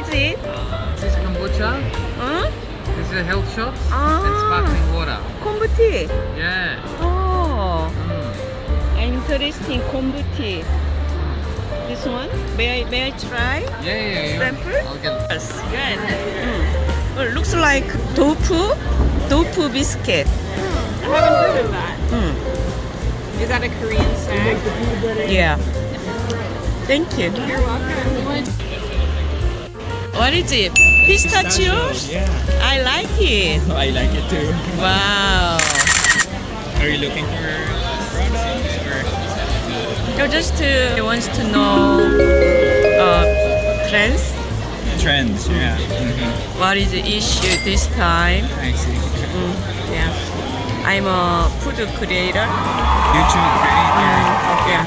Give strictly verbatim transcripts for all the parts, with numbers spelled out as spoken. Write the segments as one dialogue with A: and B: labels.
A: is it?
B: This is kombucha.
A: Huh?
B: This is a health shop.
A: Ah.
B: And sparkling water.
A: Kombu tea.
B: Yeah.
A: Oh,
B: Mm.
A: interesting. Kombu tea. This one? May I may I try?
B: Yeah, yeah, yeah.
A: Sample?
B: I'll get it.
A: Yes. Good. Mm. Oh, it looks like tofu, tofu biscuit.
C: I haven't heard of that.
A: Mm.
C: Is that a Korean snack?
A: Yeah. Thank you.
C: You're welcome.
A: What is it? Pistachios?
D: Yeah,
A: I like it.
D: I like it too.
A: Wow.
D: Are you looking for products or?
A: No, just uh, wants to know uh, trends.
D: Trends, yeah. Mm-hmm.
A: What is the issue this time?
D: I see.
A: Mm, yeah. I'm a food creator.
D: YouTube creator.
A: Yeah.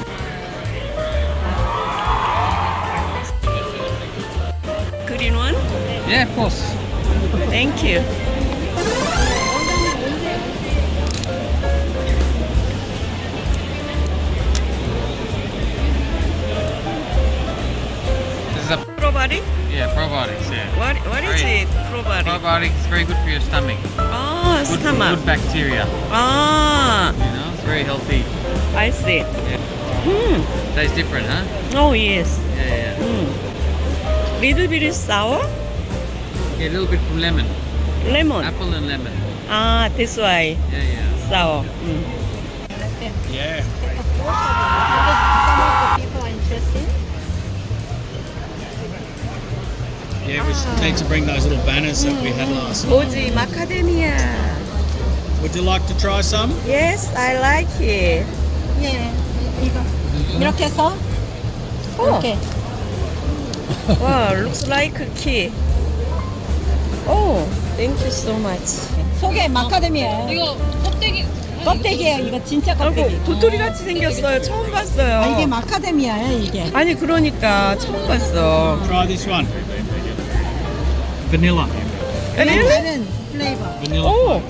A: Green one?
B: Yeah, of course.
A: Thank you.
B: This is a
A: Probiotic?
B: yeah probiotics. Yeah.
A: What what is
B: Great.
A: it? Probiotic.
B: Probiotics is very good for your stomach.
A: Oh,
B: Good,
A: stomach.
B: good bacteria.
A: Ah,
B: You know, it's very healthy.
A: I see.
B: Yeah.
A: Hmm.
B: Tastes different, huh?
A: Oh yes.
B: Yeah, yeah.
A: Hmm. Little bit sour.
B: Yeah, a little bit from lemon,
A: Lemon.
B: apple and lemon.
A: Ah, that's why
B: Yeah, yeah.
A: sour. Mm.
D: Yeah.
E: Some of the people are interested.
D: Yeah, we need to bring those little banners that we had last night.
A: Oji macadamia.
D: Would you like to try some?
A: Yes, I like it.
E: 예, 이거 이렇게 해서 이렇게.
A: Wow, looks like a key. Oh, thank you so much.
E: 속에 마카데미아예요.
C: 이거 껍데기.
E: 껍데기예요. 이거 진짜 껍데기.
A: 아이고, 도토리 같이 생겼어요. 처음 봤어요.
E: 아, 이게 마카데미아예요. 이게.
A: 아니 그러니까 처음 봤어.
D: Try this one. Vanilla.
A: Really?
E: 다른 플레이버.
D: Vanilla.
A: 오.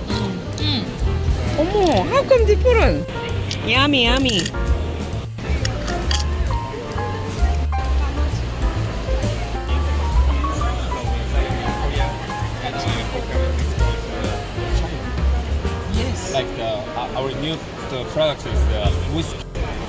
A: 어머, how come different? Yummy, yummy.
E: Yes.
F: Like uh, our new uh, product is uh, whiskey.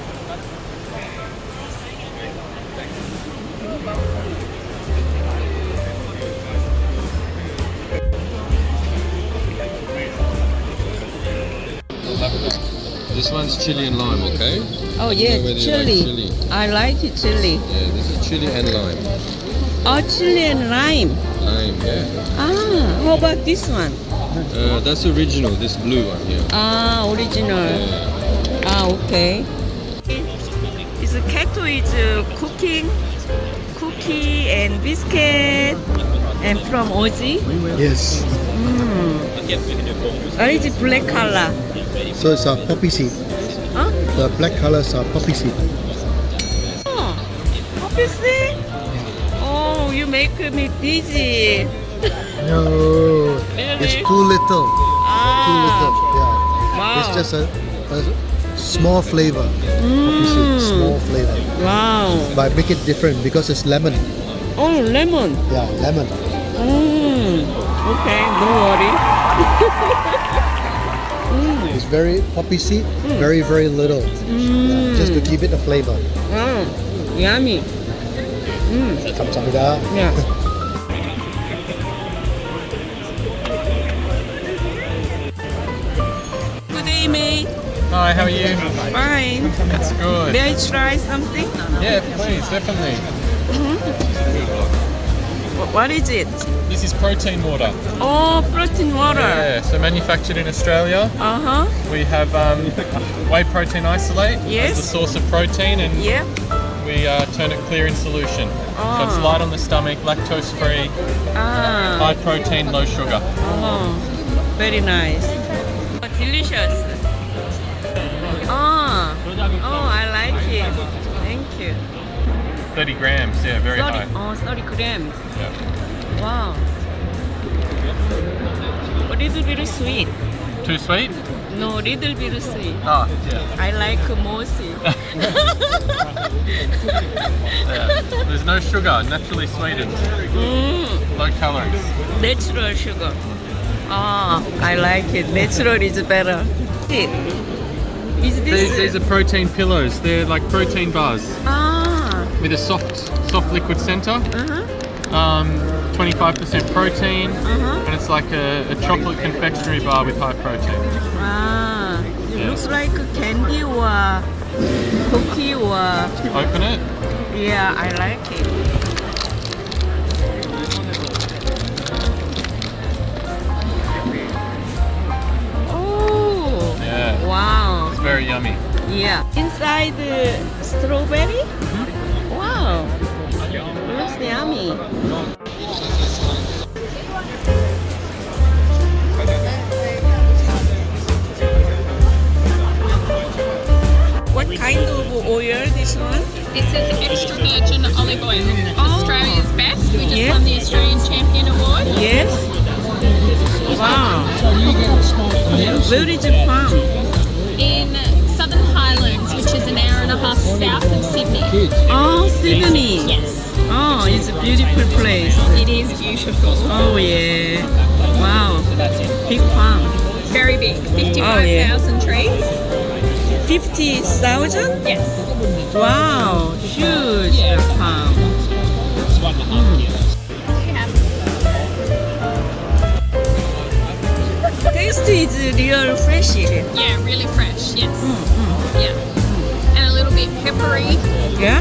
G: This one's chili and lime, okay?
A: Oh
G: Whether
A: yes,
G: you like
A: chili.
G: chili.
A: I like it chili.
G: Yeah, this is chili and lime.
A: Oh, chili and lime.
G: Lime, yeah.
A: Ah, how about this one?
G: Uh, that's original, this blue one here.
A: Ah, original.
G: Yeah.
A: Ah, okay. Is Kato is uh, cooking cookie and biscuit and from Oji.
H: Yes,
A: Mm. What is it black color?
H: so it's a poppy seed.
A: Huh?
H: The black colors are poppy seed.
A: Oh, obviously. Oh, you make me dizzy.
H: No, it's
A: Really?
H: too little. Too little.
A: Ah,
H: Yeah,
A: wow.
H: it's just a, a small flavor. Poppy seed,
A: Mm.
H: small flavor.
A: Wow.
H: But make it different because it's lemon.
A: Oh, lemon.
H: Yeah, lemon.
A: Mm. Okay, don't worry.
H: It's very poppy seed, very very little. Yeah, just to give it a flavor.
A: Mm. Yummy. Mm.
H: 감사합니다.
A: Yeah. Good day, mate.
B: Hi, how are you?
A: Fine.
B: That's good.
A: May I try something?
B: Yeah, please, definitely.
A: Wh- What is it?
B: This is protein water.
A: Oh, protein water.
B: Yeah, so manufactured in Australia.
A: Uh huh.
B: We have um, whey protein isolate
A: Yes.
B: as the source of protein, and
A: Yeah.
B: we uh, turn it clear in solution. So it's
A: Oh.
B: light on the stomach, lactose free,
A: Ah.
B: high protein, low sugar.
A: Oh, very nice. Oh, delicious. Ah. Oh, I like it. Thank you.
B: thirty grams, yeah, very
A: thirty,
B: high.
A: oh, thirty grams.
B: Yeah.
A: Wow. A little bit sweet.
B: Too sweet?
A: No, little bit sweet.
B: Oh, yeah.
A: I like more sweet.
B: yeah. There's no sugar, naturally sweetened,
A: mm,
B: low calories.
A: natural sugar. Ah, I like it. Natural is better. Is this?
B: These, these are protein pillows. They're like protein bars
A: Ah.
B: with a soft, soft liquid center.
A: Uh-huh.
B: Um, twenty-five percent protein,
A: Uh-huh.
B: and it's like a, a chocolate confectionery bar with high protein.
A: Ah. It
B: Yeah.
A: looks like candy or cookie or.
B: Open it.
A: Yeah, I like it. Oh.
B: Yeah.
A: Wow.
B: It's very yummy.
A: Yeah. Inside the strawberry? Wow. Looks yummy. What kind of oil this one?
C: This is extra virgin olive oil.
A: Oh.
C: Australia's best. We just
A: Yeah.
C: won the Australian Champion Award.
A: Yes. Wow. Where is it from?
C: In Southern Highlands, which is an hour and a half south of Sydney.
A: Oh, Sydney.
C: Yes,
A: Oh, it's a beautiful place.
C: it is beautiful.
A: Oh yeah. Wow. Big farm.
C: Very big. fifty-five thousand trees.
A: Fifty thousand?
C: Yes.
A: Wow. Huge farm. Taste is real fresh.
C: Yeah, really fresh. Yes. Yeah. And a little bit peppery.
A: Yeah?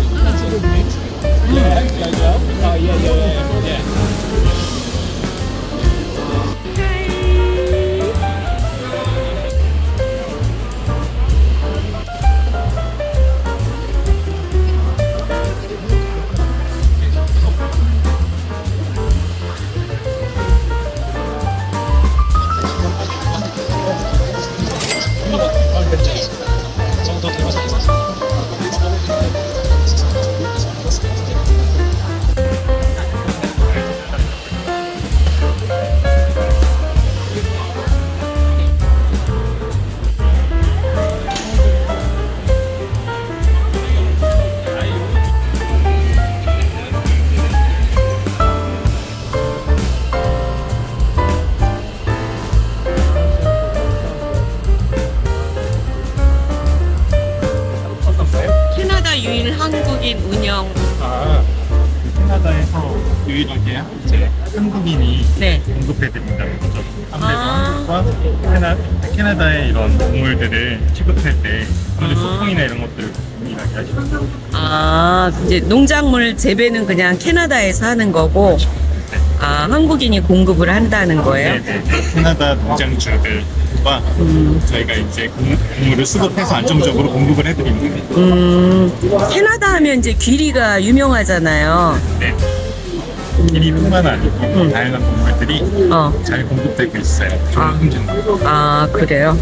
A: 캐나다 유일 한국인 운영.
I: 아, 캐나다에서 유일하게 이제 한국인이
A: 네.
I: 공급해드린다. 그죠?
A: 아.
I: 한국과 캐나, 캐나다의 이런 동물들을 취급할 때 아무래도 소통이나 이런 것들을 유일하게 하시죠.
A: 아, 이제 농작물 재배는 그냥 캐나다에서 하는 거고, 아, 한국인이 공급을 한다는 거예요?
I: 네네. 캐나다 농장주들과 저희가 이제 공- 곡물을 수급해서 안정적으로 공급을 해드리는 거예요.
A: 음, 캐나다 하면 이제 귀리가 유명하잖아요.
I: 네. 기리뿐만 아니고 다양한 동물들이
A: 어.
I: 잘 공급되고 있어요. 좋은
A: 아.
I: 품질로.
A: 아, 그래요?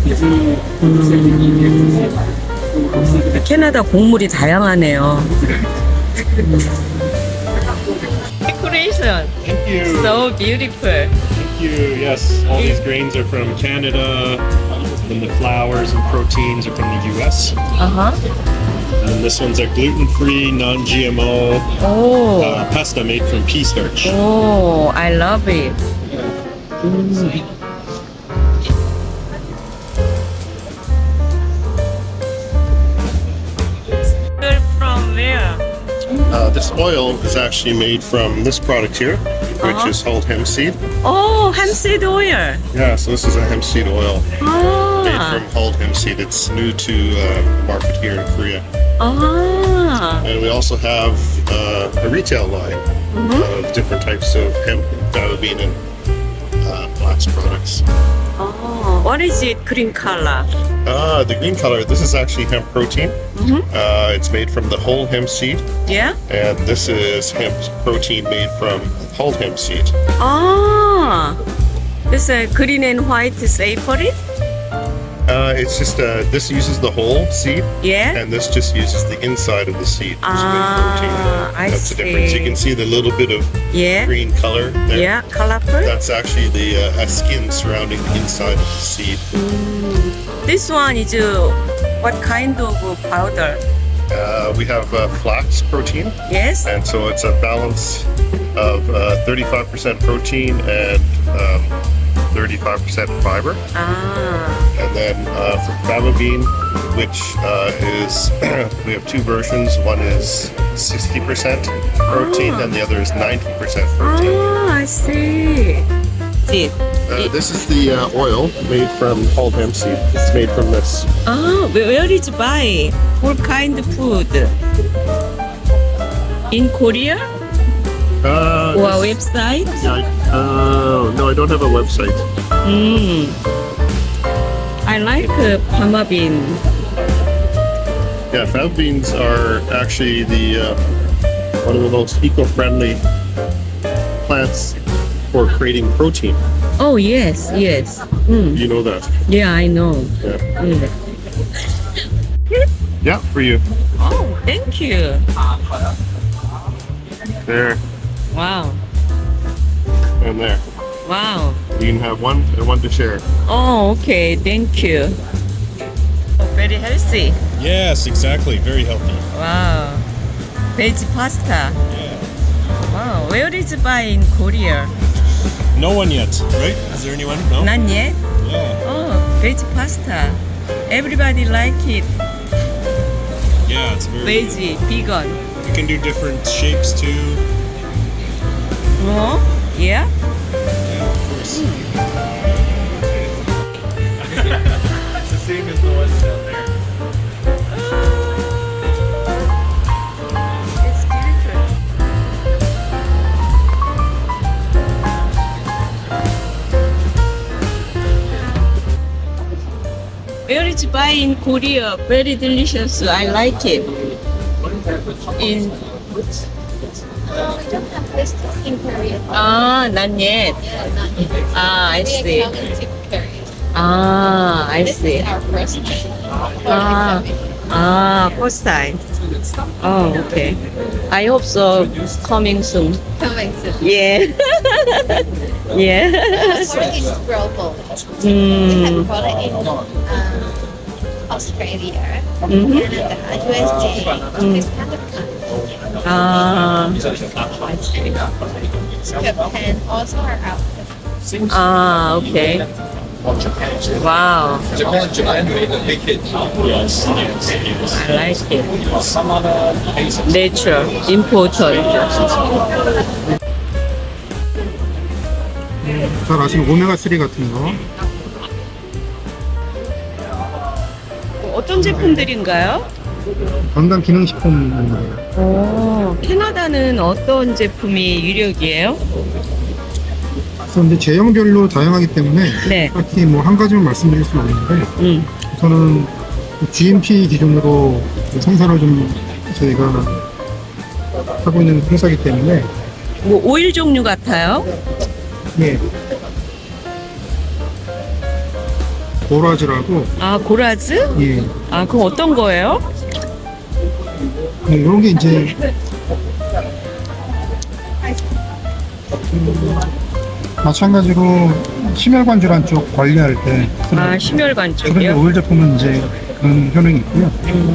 A: 음, 캐나다 곡물이 다양하네요. Decoration.
J: Thank you.
A: So beautiful.
J: Thank you. Yes, all these grains are from Canada, and the flours and proteins are from the U S.
A: Uh-huh.
J: And this one's a gluten-free, non-G M O
A: Oh.
J: uh, pasta made from pea starch.
A: Oh, I love it. You're from where?
K: Uh, this oil is actually made from this product here, which
A: Uh-huh.
K: is called hemp seed.
A: Oh, hemp seed oil.
K: Yeah, so this is a hemp seed oil made
A: Ah.
K: from hulled hemp seed. It's new to uh, market here in Korea.
A: Ah.
K: And we also have uh, a retail line of different types of hemp, fava bean, and uh, flax products.
A: Oh, what is it? Green color.
K: Ah, the green color, this is actually hemp protein.
A: Mhm.
K: Uh, it's made from the whole hemp seed,
A: Yeah?
K: and this is hemp protein made from hulled hemp seed.
A: Ah. This uh, green and white separate?
K: Uh, it's just uh, this uses the whole seed,
A: Yeah.
K: and this just uses the inside of the seed. to make
A: Ah,
K: protein.
A: I
K: That's the difference. You
A: see.
K: can see the little bit of
A: Yeah.
K: green color there.
A: Yeah. Colorful.
K: That's actually the uh, a skin surrounding the inside of the seed.
A: This one is uh, what kind of powder?
K: Uh, we have uh, flax protein,
A: Yes.
K: and so it's a balance of uh, thirty-five percent protein and um, thirty-five percent fiber.
A: Ah.
K: And then uh, for fava bean, which uh, is we have two versions. One is sixty percent protein, and the other is ninety percent protein.
A: Ah, I see. Seed.
K: Uh, this is the uh, oil made from called hemp seed. It's made from this.
A: Ah, where where did you buy? What kind of food? In Korea
K: Uh,
A: or
K: this-
A: website?
K: yeah, I- uh, no, I don't have a website.
A: Mm. I like uh, Pama bean.
K: Yeah, fava beans are actually the uh, one of the most eco-friendly plants for creating protein.
A: Oh yes, yes. Mm.
K: You know that?
A: Yeah, I know.
K: Yeah.
A: Mm.
K: Yeah, for you.
A: Oh, thank you.
K: There
A: Wow,
K: and there.
A: wow.
K: You can have one and one to share.
A: Oh, okay, thank you. Oh, very healthy.
J: Yes, exactly. Very healthy.
A: Wow. Veg pasta.
J: Yeah.
A: Wow, where did you buy in Korea?
J: No one yet, right? Is there anyone? No.
A: Not yet.
J: Yeah.
A: Oh, veg pasta. Everybody like it.
J: Yeah, it's very.
A: Veggie, vegan.
J: You can do different shapes too.
A: Oh, yeah.
J: Yeah, of course.
B: It's the same as the ones down there.
A: It's beautiful. Where did you buy in Korea? Very delicious. I like it. In
E: Uh, we don't have this in Korea.
A: ah, not yet. Ah, I
E: We
A: see.
E: come into Korea.
A: Ah, I
E: This
A: see.
E: is our first
A: Ah, ah, first time. Oh, okay. I hope so. Coming soon.
E: coming soon.
A: Yeah. yeah.
E: Born in global. We have
A: Mm.
E: product in um, Australia,
A: Mhm.
E: Canada, U S A, this kind of country.
A: Ah,
E: Japan also are out.
A: ah, okay. Wow,
G: Japan, Japan made a big hit.
J: Yes. Yes.
A: I like it. Nature, important.
H: 잘 아시는 오메가삼 같은 거.
A: 어떤 제품들인가요?
H: 건강 기능식품입니다.
A: 오, 캐나다는 어떤 제품이 유력이에요?
H: 그런데 제형별로 다양하기 때문에
A: 네.
H: 딱히 뭐 한 가지만 말씀드릴 수는 없는데
A: 음.
H: 우선은 지엠피 기준으로 생산을 좀 저희가 하고 있는 회사이기 때문에
A: 뭐 오일 종류 같아요?
H: 예. 보라즈라고
A: 아, 고라즈?
H: 예.
A: 아, 그럼 어떤 거예요?
H: 네, 이런 게 이제 음, 마찬가지로 심혈관 질환 쪽 관리할 때
A: 아, 심혈관
H: 그런
A: 쪽이요?
H: 오일 제품은 이제 그런 효능이 있고요.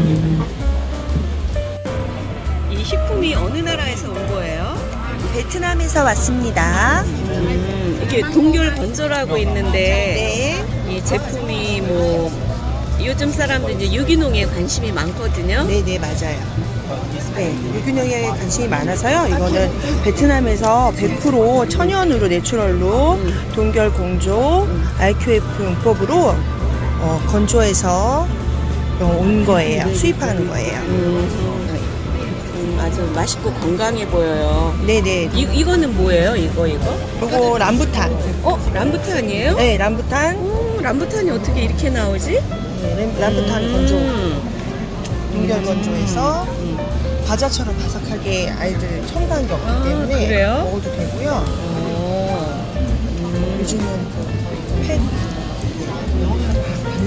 A: 이 식품이 어느 나라에서 온 거예요?
L: 베트남에서 왔습니다.
A: 음, 이게 동결 건조라고 있는데 이 제품이 뭐 요즘 사람들 이제 유기농에 관심이 많거든요.
L: 네, 네, 맞아요. 네, 유기농에 관심이 많아서요. 이거는 베트남에서 백 퍼센트 천연으로 내추럴로 동결 공조 알큐에프 용법으로 어, 건조해서 어, 온 거예요. 수입하는 거예요.
A: 음, 아주 맛있고 건강해 보여요.
L: 네네.
A: 이, 이거는 뭐예요? 이거 이거?
L: 이거 람부탄.
A: 어? 람부탄이에요?
L: 네, 람부탄.
A: 오, 람부탄이 어떻게 이렇게 나오지?
L: 네, 람- 람부탄
A: 음.
L: 건조. 동결 건조해서 과자처럼 바삭하게 아이들 첨가한 게 없기
A: 아,
L: 때문에
A: 그래요?
L: 먹어도 되고요.
A: 오.
L: 요즘은 그 팬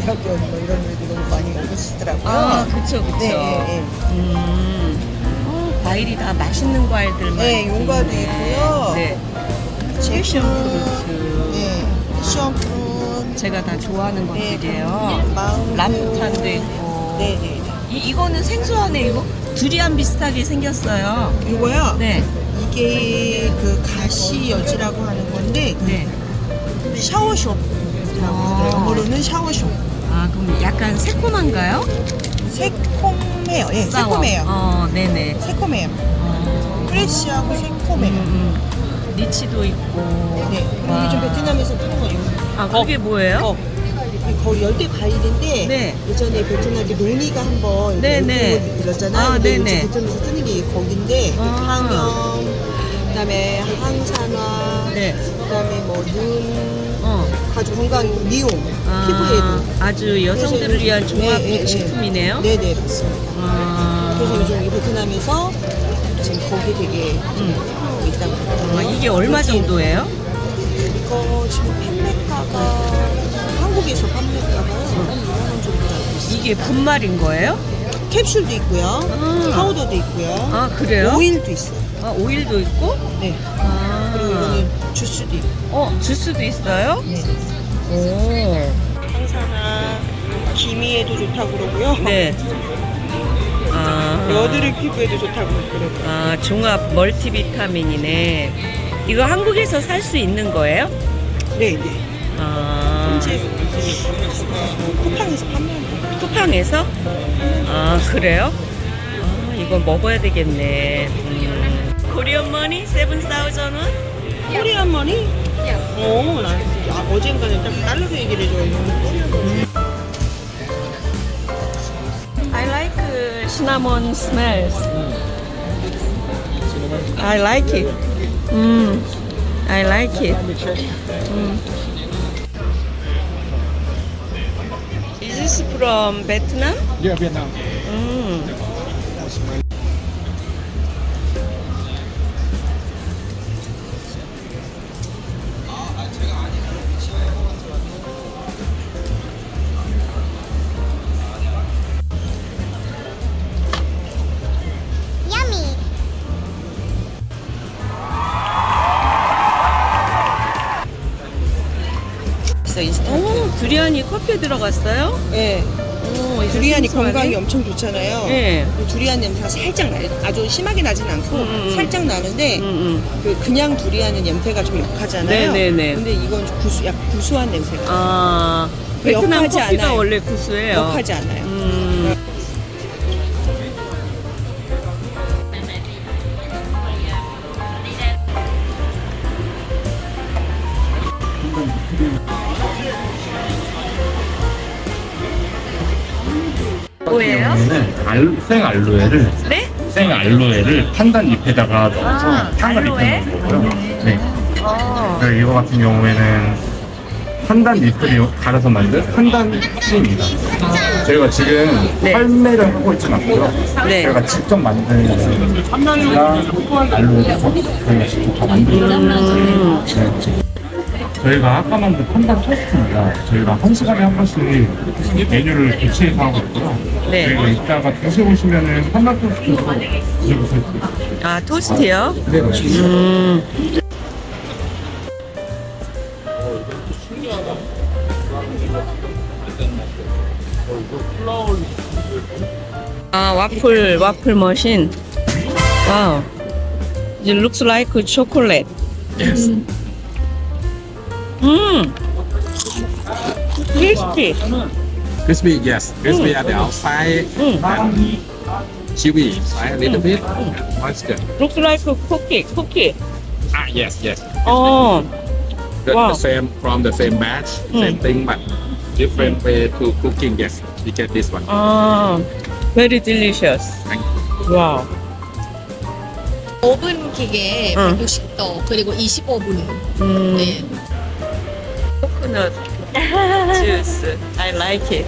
L: 유학연 뭐 이런 애들 너무 많이 먹으시더라고요.
A: 아, 그쵸, 그쵸.
L: 네, 네,
A: 음. 어, 과일이 다 맛있는 과일들만.
L: 네, 용과도
A: 있네.
L: 있고요.
A: 네.
L: 제품,
A: 패션프루트.
L: 네, 시험프룬,
A: 제가 다 좋아하는
L: 네,
A: 것들이에요.
L: 망고,
A: 람부탄도 있고.
L: 네, 네.
A: 이, 이거는 생소하네, 이거. 두리안 비슷하게 생겼어요.
L: 이거요.
A: 네.
L: 이게 그 가시여지라고 하는 건데 그
A: 네.
L: 샤워숍.
A: 아.
L: 영어로는 샤워숍.
A: 아, 그럼 약간 새콤한가요?
L: 새콤해요. 예,
A: 싸워.
L: 새콤해요.
A: 어, 네네.
L: 새콤해요.
A: 어.
L: 프레쉬하고 새콤해요.
A: 음, 음. 리치도 있고.
L: 네.
A: 와.
L: 요즘 베트남에서 파는 거 이거.
A: 아, 그게 뭐예요?
L: 어. 이 거의 열대 과일인데
A: 네.
L: 예전에 베트남에 논이가 한번
A: 네, 네.
L: 일었잖아요.
A: 아,
L: 근데
A: 네,
L: 요즘
A: 네.
L: 베트남에서 뜨는 게 거긴데
A: 아.
L: 항염, 그다음에 항산화,
A: 네.
L: 그다음에 뭐 눈,
A: 어.
L: 아주 건강 미용,
A: 아,
L: 피부에도.
A: 아주 여성들을
L: 그래서
A: 위한
L: 요즘-
A: 종합
L: 네, 네,
A: 식품이네요.
L: 네, 네, 맞습니다.
A: 아,
L: 그래서 요즘 이 베트남에서 지금 거기 되게 하고 있다고
A: 아,
L: 하더라고요.
A: 이게 얼마 정도예요?
L: 이거 지금 판매가가 한국에서 판매가가 한 이만 원 정도 알고 있어요.
A: 이게 분말인 거예요?
L: 캡슐도 있고요,
A: 아.
L: 파우더도 있고요,
A: 아, 그래요?
L: 오일도 있어요.
A: 아, 오일도 있고?
L: 네.
A: 아,
L: 그리고 이거는 주스도 있고.
A: 어, 주스도 있어요?
L: 네.
A: 오.
L: 항산화, 기미에도 좋다고 그러고요.
A: 네. 아,
L: 여드름 피부에도 좋다고 그러고요.
A: 아, 종합 멀티비타민이네. 이거 한국에서 살 수 있는 거예요?
L: 네, 네.
A: 아,
L: 현재 쿠팡에서 판매한다.
A: 쿠팡에서? 아, 그래요? 아, 이거 먹어야 되겠네. 음. 코리안 머니? 세븐 사우전 원?
L: 코리안 머니? 오, 나 아, 어젠가는 딱 달러로 얘기를 해줘요.
A: I like uh, cinnamon smells. I like it. Mm. I like it. Mm. Is this from Vietnam?
D: Yeah, Vietnam.
A: Mm. 오, 두리안이 커피에 들어갔어요?
L: 네.
A: 오, 이거
L: 두리안이
A: 생소하네.
L: 건강에 엄청 좋잖아요.
A: 네.
L: 그 두리안 냄새가 살짝 나요. 아주 심하게 나진 않고
A: 음, 음.
L: 살짝 나는데
A: 음, 음.
L: 그 그냥 두리안은 냄새가 좀 역하잖아요.
A: 네, 네, 네.
L: 근데 이건 좀 구수, 약간 구수한 냄새가
A: 아, 베트남
L: 역하지
A: 커피가
L: 않아요.
A: 원래 구수해요.
L: 역하지 않아요.
A: 음. 뭐예요?
J: 경우에는 알, 생 알로에를
A: 네?
J: 생 알로에를 판단 잎에다가 넣어서
A: 아,
J: 향을
A: 알로에?
J: 입히는 거고요. 네.
A: 어.
J: 그리고 이거 같은 경우에는 판단 잎을 갈아서 만든 판단 씨입니다. 저희가 지금
A: 네.
J: 판매를 하고 있진 않고요.
A: 네.
J: 저희가 직접 만든 판단이랑 알로에를 저희가 직접 다 만들어요. 네. 저희가 아까 만든 판단 토스트입니다. 저희가 한 시간에 한 번씩 메뉴를 교체해서 하고 있고요.
A: 네.
J: 그리고 이따가 드시고 오시면은 판단 토스트도 드셔보실 수 있어요.
A: 아, 토스트요?
J: 네, 맞습니다.
A: 음. 아, 와플, 와플 머신. 와우. It looks like chocolate.
J: Yes.
A: 음. crispy.
G: Crispy, yes. Crispy at the outside
A: 음.
G: and chewy inside a little bit. Moisture.
A: Looks like a cookie, cookie.
G: Ah, yes, yes.
A: 어.
G: The,
A: Wow.
G: the same from the same batch, same thing, but different way to cooking. Yes, we get this one.
A: 아, very delicious.
G: Thank you.
A: 와우.
C: 오븐 기계
A: 응.
C: 백육십 도 그리고 이십오 분.
A: 음.
C: 네.
A: 코코넛 주스. I like it.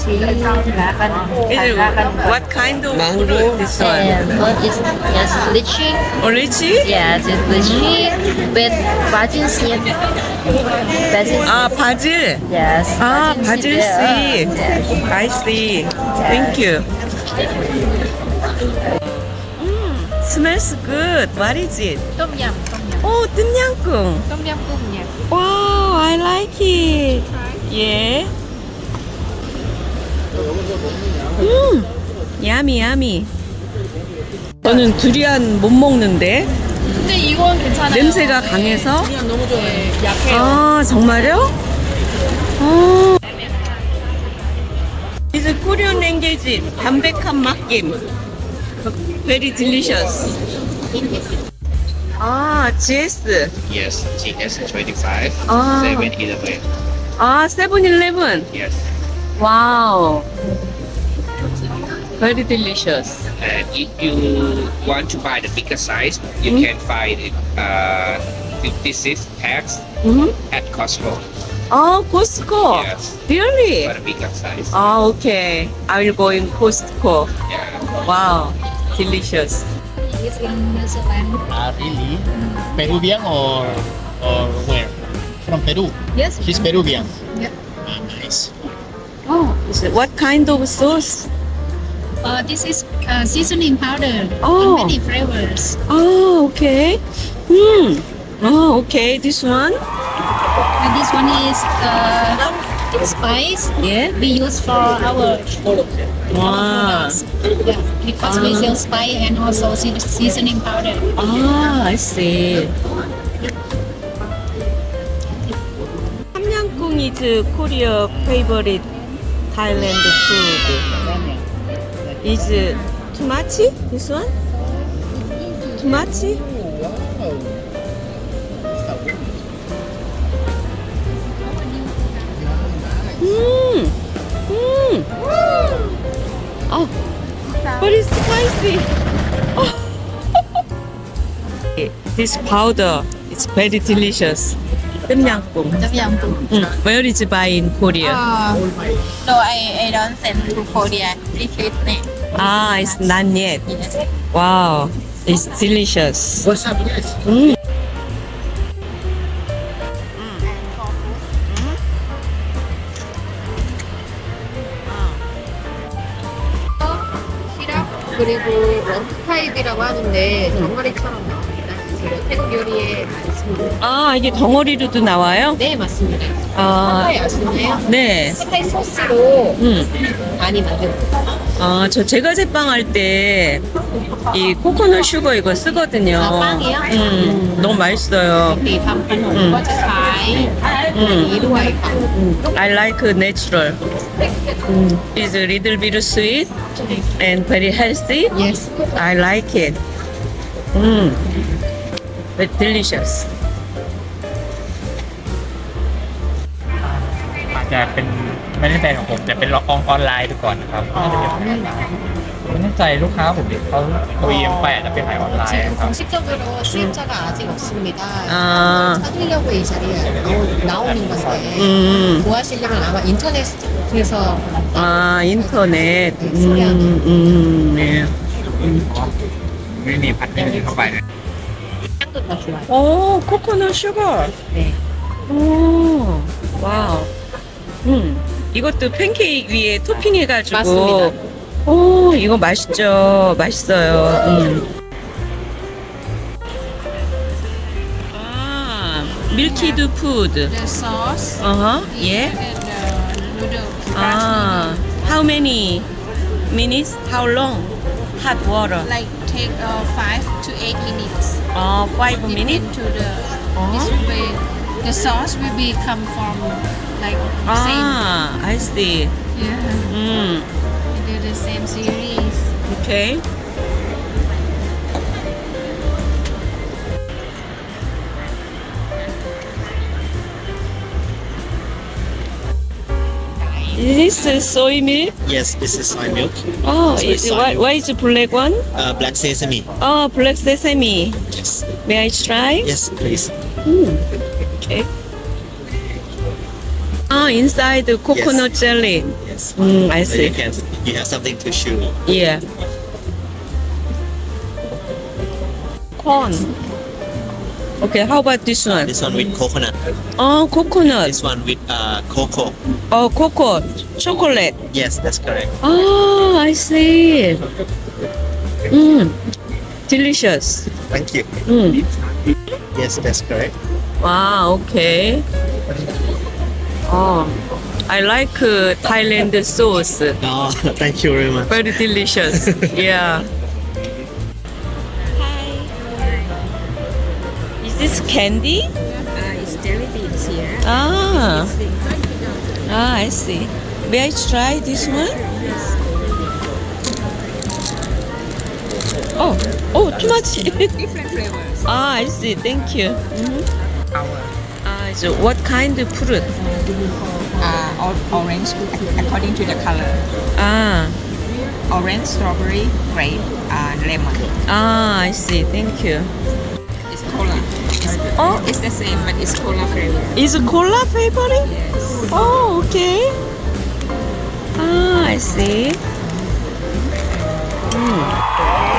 A: Is it- what kind of fruit this one?
E: And what is yes, lychee.
A: Oh, lychee?
E: Yes, it's lychee with basil seed. Basil
A: 아, 바질.
E: Yes.
A: 아, 바질
E: seed.
A: seed.
E: Yes.
A: I see. Thank you. Mm, smells good. What is it?
E: Tom yum. Tom yum.
A: Oh, 똠양꿍.
E: Tom yum goong, yes.
A: Wow, I like it. Yeah. 음, 야미 야미. 저는 두리안 못 먹는데
C: 근데 이건 괜찮아요.
A: 냄새가 강해서.
C: 그냥 너무 좋아해. 약해요.
A: 아, 정말요? 어. It's Korean language. 담백한 맛김. Very delicious. 아, 지에스.
F: Yes, G S twenty-five,
A: Ah.
F: seven eleven.
A: 아, 세븐일레븐.
F: Yes.
A: 와우. Very delicious.
F: And if you want to buy the bigger size, you can find it uh, fifty-six packs
A: 음?
F: at Costco.
A: 아, Costco.
F: Yes.
A: Really?
F: For the bigger size.
A: 아, okay. I will go in Costco.
F: Yeah.
A: Wow. Delicious.
D: Ah, really? Peruvian or or where? From Peru.
E: Yes.
D: She's Peruvian.
E: Yeah.
D: Ah, nice.
A: Oh, is it, what kind of sauce?
E: Uh, this is uh, seasoning powder.
A: Oh.
E: In many flavors.
A: Oh, okay. Hmm. Oh, okay. This one?
E: And this one is uh, spice
A: Yeah.
E: we use for our
A: Wow.
E: products. Yeah, because we sell spice and also se- seasoning powder.
A: Ah, I see. 함양꿍 is Korea favorite Thailand food. Is it too much? This one? Too much? Mmm. Mmm. Oh, but it's spicy. Oh. This powder is very delicious. 똠양꿍.
E: Tom yum goong.
A: Mm. Where is it buy in Korea?
E: Uh, no, I, I don't send to Korea. This is me.
A: Ah, it's not yet.
E: Yes.
A: Wow, it's delicious.
D: What's up, guys?
A: Mm.
E: 시럽 그리고 원투 타입이라고 하는데 덩어리처럼 나옵니다. 그래서 태국 요리에 많습니다.
A: 아, 이게 덩어리로도 나와요?
E: 네, 맞습니다.
A: 아,
E: 핫타이 아시나요?
A: 네.
E: 핫타이 소스로
A: 음.
E: 많이 만들어요.
A: 아, 저 제과제빵 할 때 이 코코넛 슈거 이거 쓰거든요.
E: 아, 빵이요?
A: 음, 너무 맛있어요.
E: ปีทำขนมก็จะใช้อันนี้ด้วยค่ะ
A: I like natural. Mm. It's a little bit sweet and very healthy.
E: Yes.
A: I like it. Mm. But delicious.
J: อาจจะเป็นไม่ได้แบรนด์ของผมแต่เป็นล็อกออนออนไลน์ไปก่อนนะครับน่าจะเป็นผมไม่แน่ใจลูกค้าผมเด็กเขาโอ อี เอ็ม ไปอาจจะเป็นขายออนไลน์
E: 지금
J: ครับ
E: 공식적으로 수입자가 아직 없습니다.
A: 아.
E: 찾으려고 이 자리에 나오, 나오는 건데
A: 음.
E: 구하시려면 아마 인터넷에서
A: 아, 인터넷. 음, 음, 네.
J: ไม่มีพัดไม่มีเข้าไปเลย
E: 향도 더 좋아요.
A: 오, 코코넛 슈거.
E: 네.
A: 오, 와우. 음, 이것도 팬케이크 위에 토핑 해가지고.
E: 맞습니다.
A: 오, 이거 맛있죠. 맛있어요. 음. 아, 밀키드 푸드.
C: The sauce
A: 어허, 예.
C: and the noodle.
A: 아, how many minutes? How long? Hot water.
C: Like take uh, five to eight minutes.
A: 어, five
C: Dip
A: minutes?
C: into the this way. The sauce will be come from like same.
A: 아, I see.
C: Yeah.
A: 음,
C: We do the same series.
A: 오케이. Is this soy milk?
M: Yes, this is soy milk.
A: Oh,
M: So it's
A: is,
M: soy
A: why,
M: milk.
A: why is the black one?
M: Uh, black sesame.
A: Oh, black sesame.
M: Yes.
A: May I try?
M: Yes, please.
A: Okay. Ah, inside the coconut jelly.
M: Yes.
A: Mm, I
M: So
A: see.
M: you can you have something to chew.
A: Yeah. Corn. Okay, how about this one?
M: This one with coconut.
A: Oh, coconut.
M: This one with uh, cocoa.
A: Oh, cocoa. Chocolate.
M: Yes, that's correct.
A: Oh, I see. Mm. Delicious.
M: Thank you.
A: Mm.
M: Yes, that's correct.
A: Wow, okay. Oh, I like uh, Thailand sauce.
M: Oh, thank you very much.
A: Very delicious. Yeah. Is this candy?
E: Uh, it's jelly beans here.
A: Ah. Ah, I see. May I try this one? Oh, oh, too much.
E: Different flavors.
A: Ah, I see. Thank you. Ah, so what kind of fruit?
E: Uh, orange according to the color.
A: Ah,
E: Orange, strawberry, grape, and lemon.
A: ah, I see. Thank you.
E: It's cola. It's,
A: Oh.
E: it's the same, but it's cola flavor.
A: Is it cola flavoring?
E: Yes.
A: Oh, okay. Ah, I see. Mm.